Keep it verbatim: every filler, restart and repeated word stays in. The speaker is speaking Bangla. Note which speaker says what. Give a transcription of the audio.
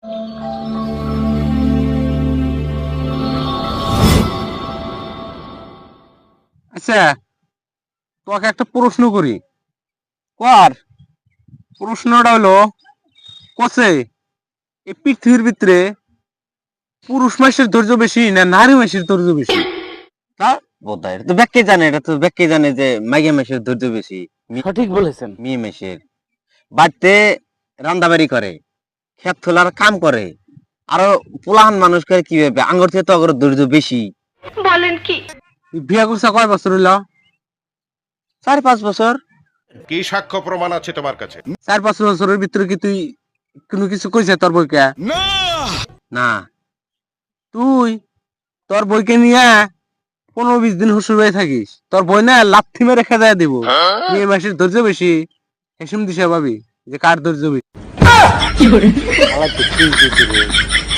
Speaker 1: আচ্ছা, তোকে একটা প্রশ্ন করি। কর। প্রশ্নটা হলো, কসে এই পৃথিবীর ভিতরে পুরুষ মাসের ধৈর্য বেশি না নারী মাসের ধৈর্য বেশি?
Speaker 2: তা বোধহয় এটা তো ব্যাখ্যাই জানে, এটা তো ব্যাখ্যাই জানে যে মাইয়া মেশের ধৈর্য বেশি,
Speaker 1: সঠিক বলেছেন।
Speaker 2: মেয়ে মেশের বাড়িতে রান্দাবাড়ি করে, ক্ষেত তোলার কাম করে, আরো পোলাহান মানুষ করে কি ভাবে আঙ্গুর থেকে তো আগর ধৈর্য বেশি।
Speaker 1: তুই বিয়া করছা কয় বছর হইলো?
Speaker 2: চার পাঁচ বছর।
Speaker 3: কি সাক্ষ্য প্রমাণ আছে তোমার কাছে?
Speaker 1: চার পাঁচ বছরের ভিতরে কি তুই কোনো কিছু কইছে তোর বইকে?
Speaker 2: না
Speaker 1: তুই তোর বইকে নিয়ে পনেরো বিশ দিন শ্বশুর বাড়ি থাকিস, তোর বই না লাথি মেরে খেদা দিব। মেয়ে মাসের ধৈর্য বেশি, হেসুম দিশা পাবি যে কার ধৈর্য বেশি।
Speaker 2: আলাদা কি